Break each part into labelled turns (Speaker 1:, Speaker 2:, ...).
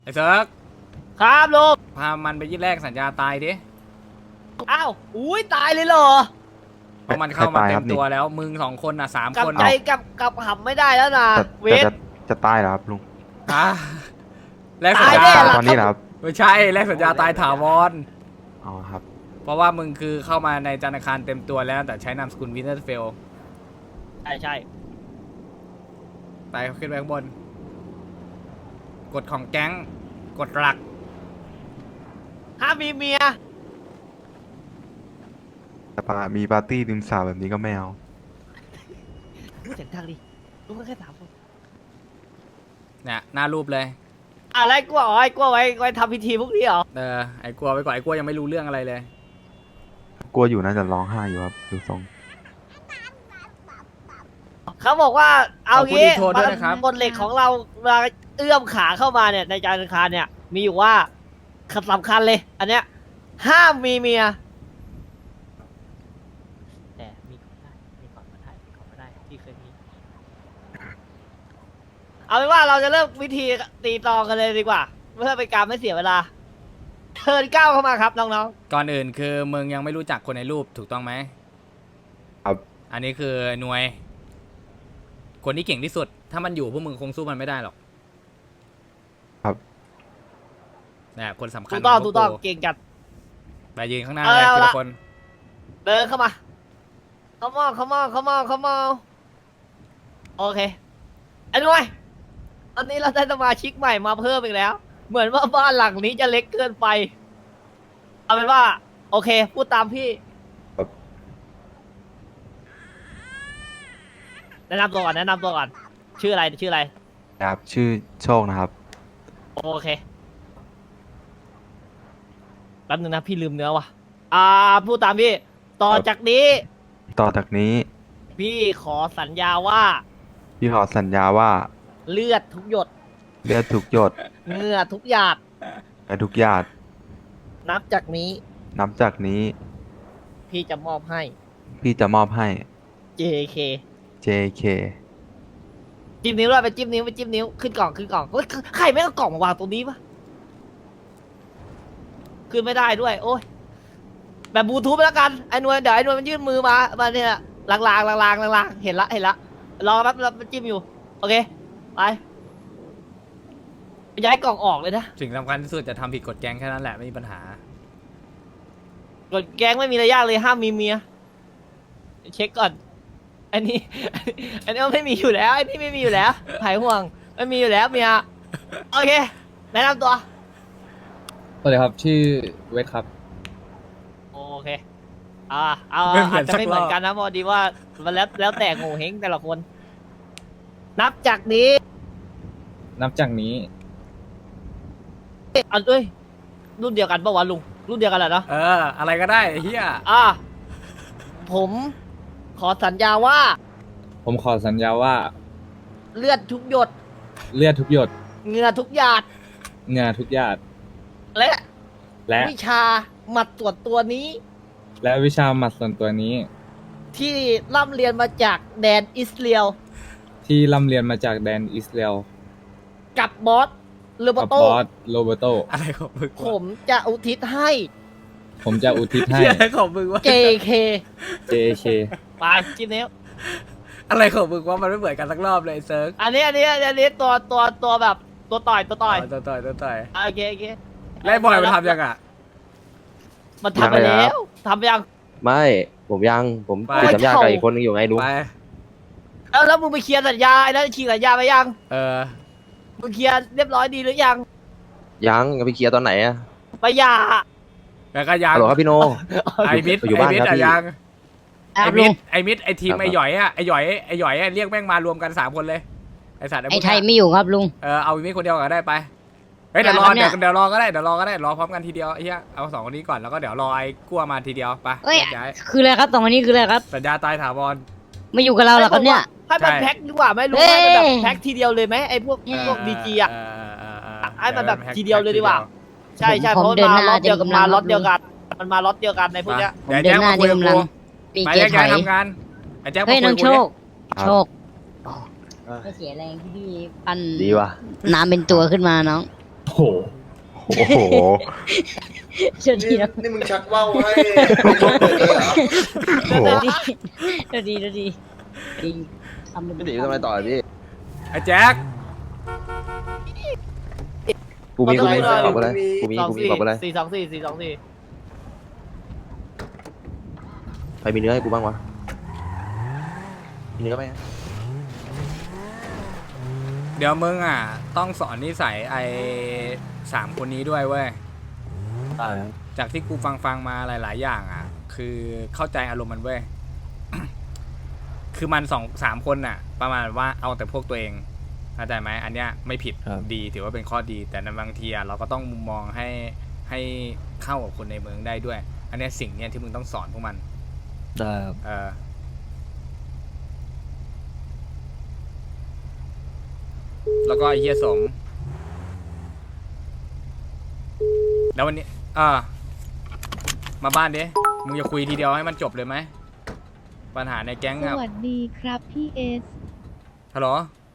Speaker 1: ไอ้เซิร์ก
Speaker 2: ครับลุง
Speaker 1: พามันไปยื่นแลกสัญญาตายดิ
Speaker 2: อ้าวอุ้ยตายเลยเหรอ
Speaker 1: เพราะมันเข้ามาเต็มตัวแล้วมึง2 คนอ่ะ3
Speaker 2: กับ
Speaker 1: คน
Speaker 2: ใจกับหำไม่ได้แล้วนะเวท
Speaker 3: จะตายเหรอครับลุง
Speaker 1: อ่ะแลกสัญญา
Speaker 2: ตายแน่ล่ะ
Speaker 3: ตอนนี้เหรอครับ
Speaker 1: ไม่ใช่แลกสัญญาตายถาวร
Speaker 3: อ๋อครับ
Speaker 1: เพราะว่ามึงคือเข้ามาในธนาคารเต็มตัวแล้วแต่ใช้นามสกุลวินเทอร์เฟล
Speaker 2: ใช่
Speaker 1: ไปขึ้นไปข้างบนกฎของแก๊งกฎหลัก
Speaker 2: ห้ามมีเมีย
Speaker 3: แต่มีปาร์ตี้ริมสระแบบนี้ก็ไม่เอา
Speaker 2: เสียงดังดิลุงก็แค่ถามผม
Speaker 1: เนี่ยหน้ารูปเลย
Speaker 2: อะไรกลัวอ๋อไอ้กลัวไว้ทำพิธีพวกนี้เหรอ
Speaker 1: ไอ้กลัวไปก่อนไอ้กลัวยังไม่รู้เรื่องอะไรเลย
Speaker 3: กลัวอยู่น่าจะร้องไห้อยู่ครับดูทรง
Speaker 2: เขาบอกว่าเอางี้
Speaker 1: ขอบคุณที่โทรด้วยนะครับ
Speaker 2: บนเหล็กของเราเวลาเอื้อมขาเข้ามาเนี่ยในจานคารเนี่ยมีอยู่ว่าสำคัญเลย อันเนี้ยห้ามมีเมียแต่มีก่อนได้มีก่อนมาได้มีก่อนมาได้ที่เคยมีเอาเป็นว่าเราจะเริ่มวิธีตีตองกันเลยดีกว่าเพื่อเป็นการไม่เสียเวลาเทิร์นก้าวเข้ามาครับน้อง
Speaker 1: ก่อนอื่นคือมึงยังไม่รู้จักคนในรูปถูกต้องไหม
Speaker 3: ครับ
Speaker 1: อันนี้คือหน่วย คนที่เก่งที่สุด ถ้ามันอยู่พวกมึงคงสู้มันไม่ได้หรอก
Speaker 3: ครับ
Speaker 1: เนี่ยคนสำ
Speaker 2: ๆ
Speaker 1: คัญ
Speaker 2: ถูกต้อง
Speaker 1: ข
Speaker 2: ถู
Speaker 1: ง
Speaker 2: กต้อง
Speaker 1: พวกู
Speaker 2: เก่งจัด
Speaker 1: ไปยืนข้างหน้าเลย
Speaker 2: เอา
Speaker 1: ที
Speaker 2: ละ
Speaker 1: ละคน
Speaker 2: เดินเข้ามา come on โอเคไอ้หน่วยตอนนี้เราได้สมาชิกใหม่มาเพิ่มอีกแล้ว เหมือนว่าบ้านหลังนี้จะเล็กเกินไป เอาเป็นว่า โอเค พูดตามพี่
Speaker 3: ครับ
Speaker 2: แนะนำตัวก่อน ชื่ออะไร
Speaker 3: ครับชื่อโชคนะครับ
Speaker 2: โอเค แป๊บนึงนะพี่ลืมเนื้อว่ะ พูดตามพี่ ต่อจากนี้
Speaker 3: ต่อจากนี้
Speaker 2: พี่ขอสัญญาว่า
Speaker 3: พี่ขอสัญญาว่า
Speaker 2: เลือดทุกหยด
Speaker 3: เลือดทุกหยด
Speaker 2: เหงื่อทุกหยาด
Speaker 3: และทุกหยาด
Speaker 2: นับจากนี้
Speaker 3: นับจากนี้
Speaker 2: พี่จะมอบให้
Speaker 3: พี่จะมอบให้
Speaker 2: JK
Speaker 3: JK
Speaker 2: จิ้มนิ้วด้วยไปจิ้มนิ้วขึ้นกล่องเฮ้ยใครไม่เอากล่องมาวางตรงนี้ปะขึ้นไม่ได้ด้วย โอ้ยแบบบลูทูธไปแล้วกันไอ้หน่วยเดี๋ยวไอ้หน่วยมันยื่นมือมาเนี่ยลางเห็นละรอแป๊บมันจิ้มอยู่โอเคไปย้ายกล่องออกเลยนะ
Speaker 1: สิ่งสำคัญที่สุดจะทำผิดกฎแก๊งแค่นั้นแหละไม่มีปัญหา
Speaker 2: กดแกงไม่มีอะไรยากเลยห้ามมีเมียเช็คก่อนอันนี้มันไม่มีอยู่แล้วไอ้นี่ไม่มีอยู่แล้วหายห่วงไม่มีอยู่แล้วเมียโอเคแนะนำตัว
Speaker 4: สวัสดีครับชื่อเวทครับ
Speaker 2: โอเคเอา
Speaker 1: ไม่เหมื
Speaker 2: อา
Speaker 1: อ
Speaker 2: จ
Speaker 1: น
Speaker 2: จะไม่เหมือนกันนะเพราะดีว่ามันแล้วแต่โง่เฮงแต่ละคน นับจากนี้
Speaker 4: นับจากนี้
Speaker 2: อันเอ้ยรุ่นเดียวกันปะวะลุงรุ่นเดียวกันแหละเนาะ
Speaker 1: อะไรก็ได้ไอ้เฮีย
Speaker 2: ผมขอสัญญาว่า
Speaker 4: ผมขอสัญญาว่า
Speaker 2: เลือดทุกหยด
Speaker 4: เลือดทุกหยด
Speaker 2: เหงื่อทุกหยาด
Speaker 4: เหงื่อทุกหยาด
Speaker 2: และ
Speaker 4: และ
Speaker 2: วิชาหมัดตรวจตัวนี้
Speaker 4: และวิชาหมัดส่วนตัวนี้
Speaker 2: ที่ร่ำเรียนมาจากแดนอิสราเอล
Speaker 4: ที่ร่ำเรียนมาจากแดนอิสราเอล
Speaker 2: กับบอสเลโบ
Speaker 4: กับ
Speaker 2: โต
Speaker 4: บอสโรเบโต
Speaker 1: อะไรของมึง
Speaker 2: ผมจะอุทิศให้
Speaker 4: ผมจะอุทิศให้
Speaker 1: เฮียอะไรของมึงวะ
Speaker 2: JK
Speaker 4: JK
Speaker 2: ไปจิ้มนิ้ว
Speaker 1: อะไรของมึงวะมันไม่เหมือนกันสักรอบเลยไอ้เซิร์ก
Speaker 2: อันนี้ตัวแบบตัวต่อย
Speaker 1: ต่อย
Speaker 2: โอเค
Speaker 1: ไล่บอยมันทำยังอ่ะ
Speaker 2: มันทำไปแล้วทำไปยัง
Speaker 5: ไม่ผมผม
Speaker 1: ไป
Speaker 5: ติดสัญญากับอีกคนนึงอยู่ไงลุง
Speaker 1: ไป
Speaker 2: แล้วมึงไปเคลียร์สัญญาไอ้นั่นฉีกสัญญาไปยัง
Speaker 1: เออ
Speaker 2: มึงเคลียร์เรียบร้อยดีหรือยัง
Speaker 5: ยังไปเคลียร์ตอนไหนอะ
Speaker 2: ไปหย่า
Speaker 1: แล้วก็ยัง
Speaker 5: ฮัลโหลครับพี่โน
Speaker 1: ไอ้มิด
Speaker 5: อยู่บ้านครับพี่
Speaker 1: ยังไอ้มิดไอ้ทีม
Speaker 5: ครับ
Speaker 1: ไอ้หยอยไอ้หยอยเรียกแม่งมารวมกัน3 คนเลยไอ้สัตว์
Speaker 6: ไอ้ไทยไม่อยู่ครับลุง
Speaker 1: เอามิดคนเดียวก็ได้ไปเฮ้ยเดี๋ยวรอ
Speaker 6: เนี่ย
Speaker 1: เดี๋ยวรอก็ได้รอพร้อมกันทีเดียวไอ้เหี้ยเอา2 คนนี้ก่อนแล้วก็เดี๋ยวรอไอ้กั้วมาทีเดียวไป
Speaker 6: เอ้ย
Speaker 1: แยกย้าย
Speaker 6: คืออะไรครับสองคนนี้คืออะไรครับ
Speaker 1: สัญญาตายถาวร
Speaker 6: ไม่อยู่กับเราหรอครับเนี่ย
Speaker 2: ให้มัน
Speaker 1: ใช่
Speaker 2: แพ็คดีกว่าไหมลุง
Speaker 6: เอ้ย
Speaker 2: ให้มันแบบแพ็คทีเดียวเลยไหมไอ้พวกดีจีอ่ะ ให้มันแบบทีเดียวเลยดีกว่า ใช่เพ
Speaker 6: ผม
Speaker 2: ราะ
Speaker 6: เดิน
Speaker 2: มา
Speaker 6: หน้า
Speaker 2: ล็อตเดียว
Speaker 6: เต็
Speaker 2: กัน
Speaker 6: มกำลั
Speaker 2: มาง ล็อต
Speaker 6: ครับ
Speaker 2: เดียวกันมันมาล็อตเดียวกันในพวกเนี้ย
Speaker 1: เดี๋ยว
Speaker 6: เดิ
Speaker 1: แจ็
Speaker 6: น
Speaker 1: ค
Speaker 6: หน้า
Speaker 1: มาคุย
Speaker 6: เดิ
Speaker 1: กับ
Speaker 6: นกำลัง
Speaker 1: กู
Speaker 6: ปี
Speaker 1: ไป
Speaker 6: เก
Speaker 1: แยก
Speaker 6: ถ
Speaker 1: ย้า
Speaker 6: อย ย
Speaker 1: ทำงานไอ้แจ็คมา
Speaker 6: เฮ้ย
Speaker 1: คุย
Speaker 6: น้อง
Speaker 1: กู
Speaker 6: โช
Speaker 1: ดิ
Speaker 6: ค โชคไม่เสียแรงที่พี่ปั้น
Speaker 5: ดีว่ะ
Speaker 6: น้ำเป็นตัวขึ้นมาน้อง
Speaker 4: โอ้โห
Speaker 3: โอ้โห
Speaker 6: เดี๋ยวดีนะ
Speaker 7: นี่มึงชักว่าวให้ไม่ชอบเปิดเลยเหรอ
Speaker 3: โอ้โห
Speaker 6: เดี๋ยวดีทำ
Speaker 5: พี่ตีทำอะไรต่อพี่
Speaker 1: ไอ้แจ็ค
Speaker 5: กูมี
Speaker 2: เอา
Speaker 5: ต
Speaker 2: ไป
Speaker 5: อบอะไร
Speaker 7: มี
Speaker 5: กูมี
Speaker 2: สอง
Speaker 5: กูมี
Speaker 2: สี่
Speaker 5: ตอบอะไร
Speaker 2: 424
Speaker 5: ใครมีเนื้อให้กูบ้างวะมีเนื้อไหม
Speaker 1: เดี๋ยวมึงอ่ะ ต้องสอนนิสัยไอ้3 คนนี้ด้วยเว้ย
Speaker 4: ได้ครับ
Speaker 1: จากที่กูฟังมาหลาย ๆ อย่างอ่ะ คือเข้าใจอารมณ์มันเว้ย คือมัน2-3 คนน่ะ ประมาณว่าเอาแต่พวกตัวเองเข้าใจไหมอันเนี้ยไม่ผิดดีถือว่าเป็นข้อดี แต่ในบางทีอ่ะเราก็ต้องมุมมองให้เข้ากับคนในเมืองได้ด้วย อันเนี้ยสิ่งเนี้ยที่มึงต้องสอนพวกมัน
Speaker 4: ได้ครับ
Speaker 1: แล้วก็ไอ้เฮียสม แล้ววันนี้มาบ้านดิมึงจะคุยทีเดียวให้มันจบเลยไหมปัญหาในแก๊ง
Speaker 8: ส
Speaker 1: ครับ
Speaker 8: วัสดีครับพี่เอส
Speaker 1: ฮัลโหล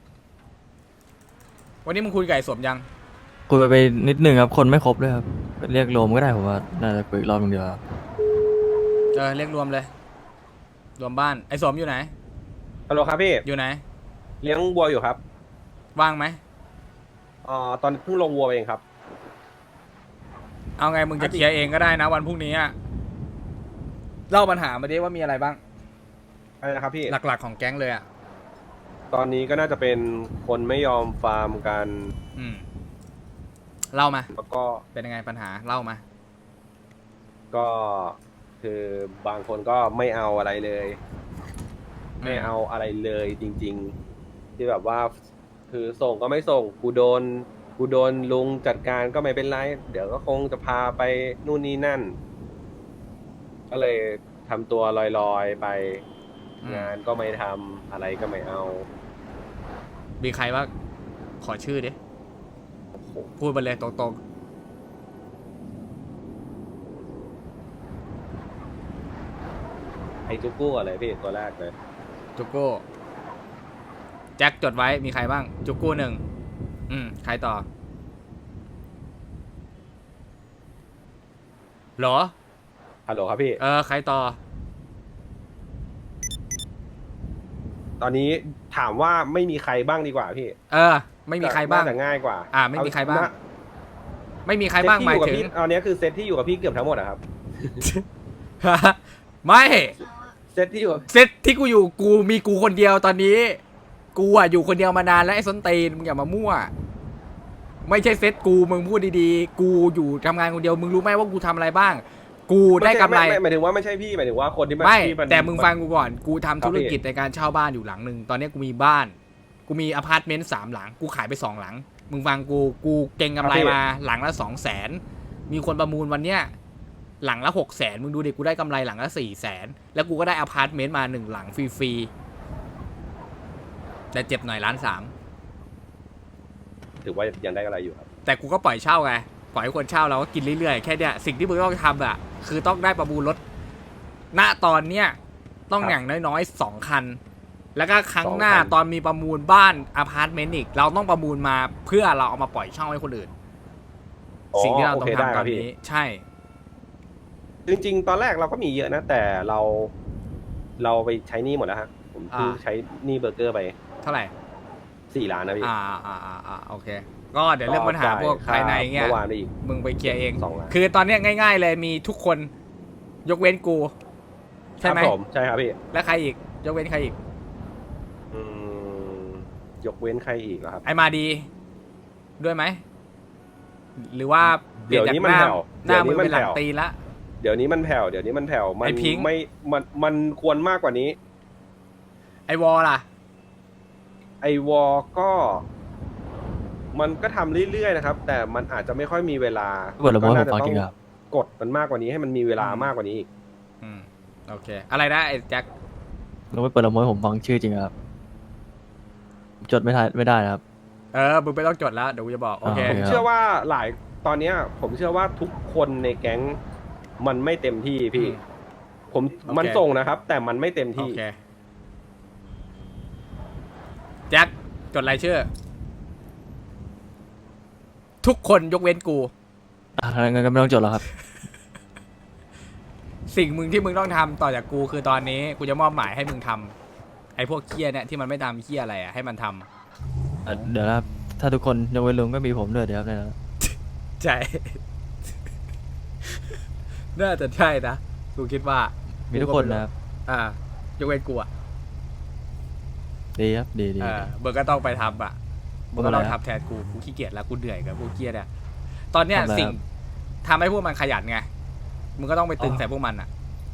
Speaker 1: วันนี้มึงคุยกับไอ้สมยัง
Speaker 9: คุยไปนิดนึงครับ คนไม่ครบด้วยครับ เรียกรวมก็ได้ผมว่า น่าจะคุยอีกรอบนึงเดียวครับ
Speaker 1: เรียกรวมเลย รวมบ้านไอ้สมอยู่ไหน
Speaker 10: ฮัลโหลครับพี่
Speaker 1: อยู่ไหน
Speaker 10: เลี้ยงวัวอยู่ครับ
Speaker 1: ว่างไหม
Speaker 10: ตอนเพิ่งลงวัวเองครับ
Speaker 1: เอาไงมึงจะเคลียร์เองก็ได้นะวันพรุ่งนี้อะเล่าปัญหามาดิว่ามีอะไรบ้าง
Speaker 10: อะไรนะครับพี่
Speaker 1: หลักๆของแก๊งเลยอ่ะ
Speaker 10: ตอนนี้ก็น่าจะเป็นคนไม่ยอมฟาร์มกัน
Speaker 1: เล่ามา
Speaker 10: แล้วก็
Speaker 1: เป็นยังไงปัญหาเล่ามา
Speaker 10: ก็คือบางคนก็ไม่เอาอะไรเลย ไม่เอาอะไรเลยจริง ๆ ที่แบบว่า คือส่งก็ไม่ส่งกูโดนลุงจัดการก็ไม่เป็นไร เดี๋ยวก็คงจะพาไปนู่นนี่นั่น ก็เลยทำตัวลอยๆไป งานก็ไม่ทำอะไรก็ไม่เอา
Speaker 1: มีใครว่าขอชื่อดิพูดไปเลยตรง
Speaker 10: ไอ้จุกกู้อะไรพี่ตัวแรกเลย
Speaker 1: ๆจุกกู้แจ็คจดไว้มีใครบ้าง จุกกู้1ใครต่อเหรอ
Speaker 10: ฮัลโหลครับพี่
Speaker 1: ใครต่อ
Speaker 10: ตอนนี้ถามว่าไม่มีใครบ้างดีกว่าพี่
Speaker 1: ไม่มีใครบ้าง
Speaker 10: น่จะง่ายกว่า
Speaker 1: ไม่มีใครบ้าง
Speaker 10: เอ
Speaker 1: ไม่มีใครบ้างหมาย
Speaker 10: เซต
Speaker 1: ถึ
Speaker 10: ที่
Speaker 1: ง
Speaker 10: อยู่กับพี่ตอนนี้คือเซตที่อยู่กับพี่เกือบทั้งหมดอะครับ
Speaker 1: ไม่
Speaker 10: เซตที่อยู่กับ
Speaker 1: เซตที่กูอยู่กูมีกูคนเดียวตอนนี้ กูอ่ะอยู่คนเดียวมานานแล้วไอ้ส้นตีนมึงอย่ามามั่ว ไม่ใช่เซตกูมึงพูดดีๆ กูอยู่ทำงานคนเดียวมึงรู้ไหมว่ากูทำอะไรบ้าง กูได้กำไร
Speaker 10: หมายถึงว่าไม่ใช่พี่หมายถึงว่าคนที่
Speaker 1: ไม่
Speaker 10: ที่น
Speaker 1: แต่มึงฟังกูก่อน กูทำธุรกิจในการเช่าบ้านอยู่หลังหนึ่งตอนนี้กูมีบ้าน กูมีอพาร์ตเมนต์3 หลัง กูขายไป2 หลัง มึงฟังกูเก่งกำไรมาหลังละ200,000มีคนประมูลวันเนี้ยหลังละ600,000มึงดูดิกูได้กำไรหลังละ400,000แล้วกูก็ได้อพาร์ตเมนต์มา1 หลังฟรีๆแต่เจ็บหน่อย1.3 ล้าน
Speaker 10: ถือว่ายังได้อะไรอยู่ครับ
Speaker 1: แต่กูก็ปล่อยเช่าไงปล่อยให้คนเช่าเราก็กินเรื่อยๆแค่เนี้ยสิ่งที่มึงต้องทำอ่ะคือต้องได้ประมูลรถณตอนเนี้ยต้องอย่างน้อยๆ2 คัน แล้วก็ครั้งหน้าตอนมีประมูลบ้านอพาร์ตเมนต์อีกเราต้องประมูลมาเพื่อเราเอามาปล่อยเช่าให้คนอื่น สิ่งที่เราต้องทำตอนนี้ใช่
Speaker 10: จริงๆ ตอนแรกเราก็มีเยอะนะ แต่เราไปใช้หนี้หมดแล้วฮะผมเพิ่งใช้หนี้เบอร์เกอร์ไป
Speaker 1: เท่าไหร่
Speaker 10: 4 ล้านนะพี่
Speaker 1: โอเคก็เดี๋ยวเรื่องปัญหาพวกภายในเงี้ย
Speaker 10: เมื่อวานได้อีก
Speaker 1: มึงไปเคลียร์เอง
Speaker 10: 2 ล้าน
Speaker 1: คือตอนเนี้ยง่ายๆเลยมีทุกคนยกเว้นกูใช่ไหม
Speaker 10: ครับผมใช่ครับพี่
Speaker 1: และใครอีกยกเว้นใครอีก
Speaker 10: อืมยกเว้นใครอีกเหรอครับ
Speaker 1: ไอมาดีด้วยไหมหรือว่าเปลี่ยนจาก
Speaker 10: เดี๋ยวนี้มัน
Speaker 1: หน้า
Speaker 10: แผ่ว
Speaker 1: หน้ามือ
Speaker 10: เดี๋ยวนี้มัน
Speaker 1: เป็นหลัง
Speaker 10: แผ่ว
Speaker 1: ตีนละ
Speaker 10: เดี๋ยวนี้มันแผ่วเดี๋ยวนี้มันแผ่วมัน
Speaker 1: ไอ้พิงค์
Speaker 10: ไม่มันควรมากกว่านี้
Speaker 1: ไอวอลล่ะ
Speaker 10: ไอวอก็มันก็ทำเรื่อยๆนะครับ แต่มันอาจจะไม่ค่อยมีเวลา
Speaker 9: เปิดละม้วนผมฟัง
Speaker 10: ก็
Speaker 9: จริง
Speaker 10: น่า
Speaker 9: ค
Speaker 10: จะ
Speaker 9: รับ
Speaker 10: กดมันมากกว่านี้ให้มันมีเวลามากกว่านี้อีก
Speaker 1: โอเค อะไรนะไอแจ็ค
Speaker 9: เราไม่เปิดละม้วนผมฟังชื่อจริงครับ จดไม่ได้นะครับ
Speaker 1: มึงไม่ต้องจดแล้วเดี๋ยวกูจะบอกโอเค
Speaker 9: โอเค
Speaker 10: เชื่อว่าตอนเนี้ยผมเชื่อว่าทุกคนในแก๊งมันไม่เต็มที่พี่ ผม
Speaker 1: โอเค
Speaker 10: มันส่งนะครับ แต่มันไม่เต็ม
Speaker 1: โอ
Speaker 10: ที่
Speaker 1: เคแจ็คจดรายชื่อทุกคนยกเว้นกู
Speaker 9: งั้นก็ไม่ต้องจดแล้วครับ
Speaker 1: สิ่งมึงที่มึงต้องทำต่อจากกูคือตอนนี้กูจะมอบหมายให้มึงทำไอ้พวกเคี้ยเนี่ยที่มันไม่ทำเคี้ยอะไรอ่ะให้มันทำ
Speaker 9: เดี๋ยวนะครับถ้าทุกคนยกเว้นลุงก็มีผมด้วยเดี๋ยวครับเนี่ยนะ
Speaker 1: ใช่ น่าจะใช่นะกูคิดว่า
Speaker 9: มีทุกคนนะครับ
Speaker 1: ยกเว้นกูอ่ะ
Speaker 9: ดีครับดี
Speaker 1: เบิร์ก็ต้องไปทำอ่ะมึงก็ต้อง
Speaker 9: ทำอะไรครับ
Speaker 1: ทำแทนกูขี้เกียจแล้วกูเหนื่อยกับพวกเคี้ยเนี่ยตอนเนี้ย
Speaker 9: ทำอะไร
Speaker 1: สิ่ง
Speaker 9: ครับ
Speaker 1: ทำให้พวกมันขยันไงมึงก็ต้องไปตึงใส่พวกมันอ่ะ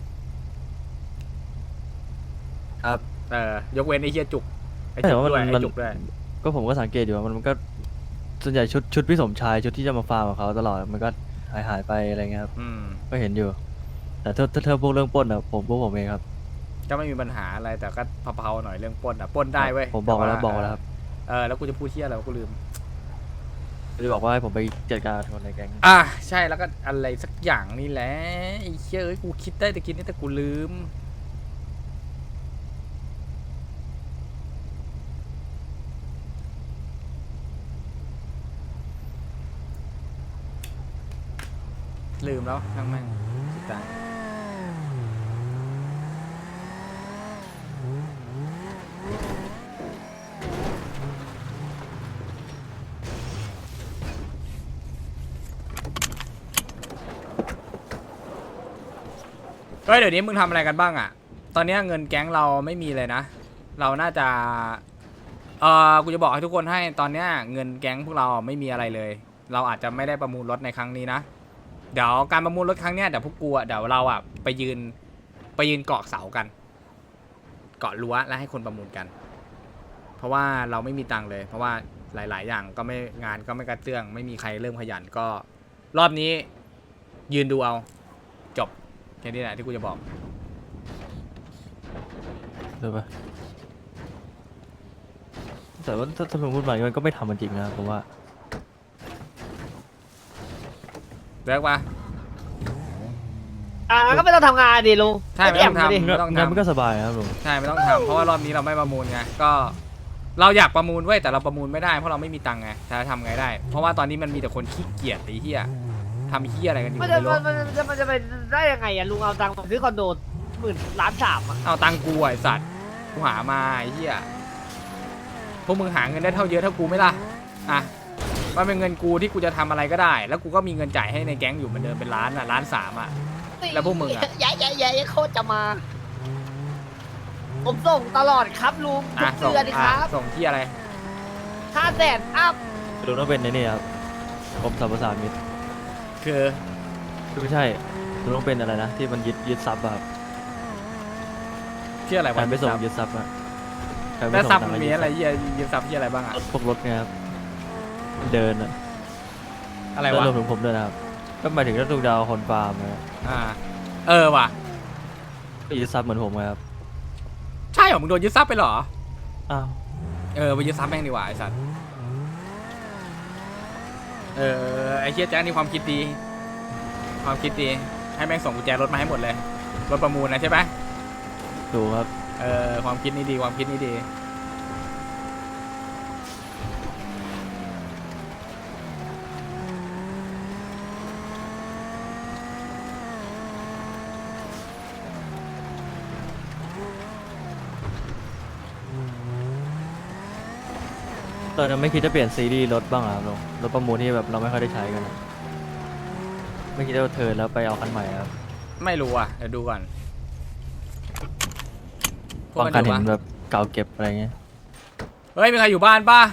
Speaker 9: ครับ
Speaker 1: ยกเว้นไอ้เคี้ยจุกไอ้
Speaker 9: แต่
Speaker 1: จุก
Speaker 9: ว่า
Speaker 1: ด้วย
Speaker 9: มั
Speaker 1: ไอ้
Speaker 9: น
Speaker 1: จุกด้วย
Speaker 9: ก็ผมก็สังเกตอยู่ว่ามันก็ส่วนใหญ่ชุดพี่สมชายชุดที่จะมาฟาร์มกับเขาตลอดมันก็หายไปอะไรเงี้ยครับ ก็เห็นอยู่ แต่ถ้าพวกเรื่องปล้นอะพวกผมเองครับ
Speaker 1: ก็ไม่มีปัญหาอะไรแต่ก็เผาๆหน่อยเรื่องปล้นอ่ะปล้นได้เว้ย
Speaker 9: ผมบอกแล้ว
Speaker 1: ต่า
Speaker 9: บอกแล้วครับ
Speaker 1: แล้วกูจะพูดเที่ยอะไรวะกูลืม
Speaker 9: จะบอกว่าให้ผมไปจัดการคนในแก๊ง
Speaker 1: ใช่แล้วก็อะไรสักอย่างนี่แหละไอ้เชี่ยเอ้ยกูคิดได้แต่คิดนี่แต่กูลืมแล้วช่างแม่งสุดท้ายเดี๋ยวนี้มึงทำอะไรกันบ้างอ่ะ ตอนนี้เงินแก๊งเราไม่มีเลยนะ เราน่าจะกูจะบอกให้ทุกคนให้ตอนนี้เงินแก๊งพวกเราไม่มีอะไรเลย เราอาจจะไม่ได้ประมูลรถในครั้งนี้นะเดี๋ยวการประมูลรถครั้งเนี้ยเดี๋ยวพวกกูเดี๋ยวเราไปยืนเกาะเสากัน เกาะรั้วแล้วให้คนประมูลกัน เพราะว่าเราไม่มีตังค์เลย เพราะว่าหลาย ๆ อย่างก็ไม่งานก็ไม่กระเตื้องไม่มีใครเริ่มขยันก็รอบนี้ยืนดูเอาจบแค่นี้แหละที่กูจะบอก
Speaker 9: เดี๋ยวไปแต่ว่าถ้าผมพูดมามันก็ไม่ทำมันจริงนะผมว่า
Speaker 1: เลิกปะ
Speaker 2: ก็ไม่ต้องทำงานดิลุง
Speaker 1: ใช่ไม่ต้องทำ
Speaker 2: ดิ
Speaker 1: ไม่ต้อง
Speaker 9: งั้นมัน
Speaker 1: ทำ
Speaker 9: ก็สบายครับลุง
Speaker 1: ใช่ไม่ต้องทำเพราะว่ารอบนี้เราไม่ประมูลไงก็เราอยากประมูลเว้ยแต่เราประมูลไม่ได้เพราะเราไม่มีตังค์ไงจะทำไงได้ เพราะว่าตอนนี้มันมีแต่คนขี้เกียจไอ้เหี้ยทำเหี้ยอะไรกันอยู่
Speaker 2: มัน
Speaker 1: ไม่รู้
Speaker 2: จะไปได้ยังไงอะลุงเอาตังค์มาซื้อคอนโด10,000,000,3อะ
Speaker 1: เอาตังค์กูไอ้สัตว์กูหามาไอ้เหี้ยพวกมึงหาเงินได้เท่าเยอะเท่ากูไหมล่ะมันเป็นเงินกูที่กูจะทำอะไรก็ได้ แล้วกูก็มีเงินจ่ายให้ในแก๊งอยู่เหมือนเดิมเป็น1,300,000 แล้วพวกมึงอะ
Speaker 2: แย่โคตรจะมา ผมส่งตลอดครับลุงทุก
Speaker 1: ส่ง
Speaker 2: เดือนครับ
Speaker 1: ส่งที่อะไร
Speaker 2: 500,000 อัพ
Speaker 9: ลุงต้องเป็นในนี่ครับกรมสรรพสามิต
Speaker 1: คือ
Speaker 9: ไม่ใช่ลุงต้องเป็นอะไรนะที่มันยึดทรัพย์อะครับ
Speaker 1: ที่อะไร
Speaker 9: การ
Speaker 1: วะ
Speaker 9: ไปส่งยึดทรัพย์อะการไป
Speaker 1: แล้ว
Speaker 9: ส่ง
Speaker 1: ซับ
Speaker 9: ทาง
Speaker 1: มันมีอะไรเหี้ยยืมซับที่อะไรบ้างอะ
Speaker 9: พวกรถไงครับเดินอะ
Speaker 1: อะไร
Speaker 9: แล้ว
Speaker 1: วะ
Speaker 9: รวมถึงผมด้วยนะครับก็หมายถึงถ้าลุงดาวคนฟาร์มนะ
Speaker 1: ว่ะ
Speaker 9: ก็ยึดทรัพย์เหมือนผมไงครับ
Speaker 1: ใช่เหรอมึงโดนยึดทรัพย์ไปเหรอ
Speaker 9: อ้าว
Speaker 1: ไปยึดทรัพย์แม่งดีกว่าไอ้สัตว์ไอ้เฮียแจ๊คนี่ความคิดดีให้แม่งส่งกุญแจรถมาให้หมดเลยรถประมูลนะใช่ไหม
Speaker 9: ดูครับ
Speaker 1: ความคิดนี้ดี
Speaker 9: ตอนนั้นไม่คิดจะเปลี่ยนซีรีส์รถบ้างเหรอครับลุงรถประมูลที่แบบเราไม่ค่อยได้ใช้กันอะไม่คิดจะเทิร์นแล้วไปเอาคันใหม่ครับ
Speaker 1: ไม่รู้อ่ะเดี๋ยวดูก่อนพว
Speaker 9: บางคัน
Speaker 1: อยู่
Speaker 9: เห็น
Speaker 1: ปะ
Speaker 9: แบบเก่าเก็บอะไรเงี้ย
Speaker 1: เฮ้ยมีใครอยู่บ้านป่ะ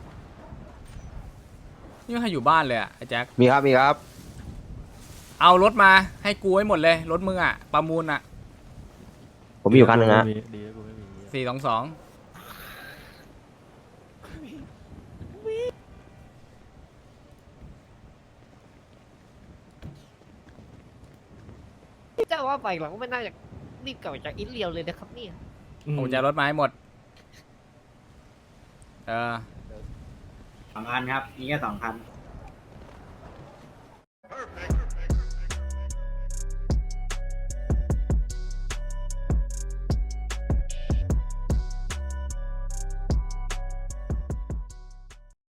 Speaker 1: ไม่มีใครอยู่บ้านเลยอ่ะไอ้แจ็ค
Speaker 5: มีครับ
Speaker 1: เอารถมาให้กูให้หมดเลยรถมึงอ่ะประมูลอ่ะ
Speaker 5: ผมมีอยู่คันหนึ่งฮะ
Speaker 9: ดีกูไม่มี
Speaker 1: 422
Speaker 2: จะว่าไปหลังก็ไม่น่าจะรีบกลับจากอินเลียวเลยนะครับเนี่ย
Speaker 1: ผมจะรถมาให้หมด
Speaker 11: 2 คันครับ มีแค่2 คัน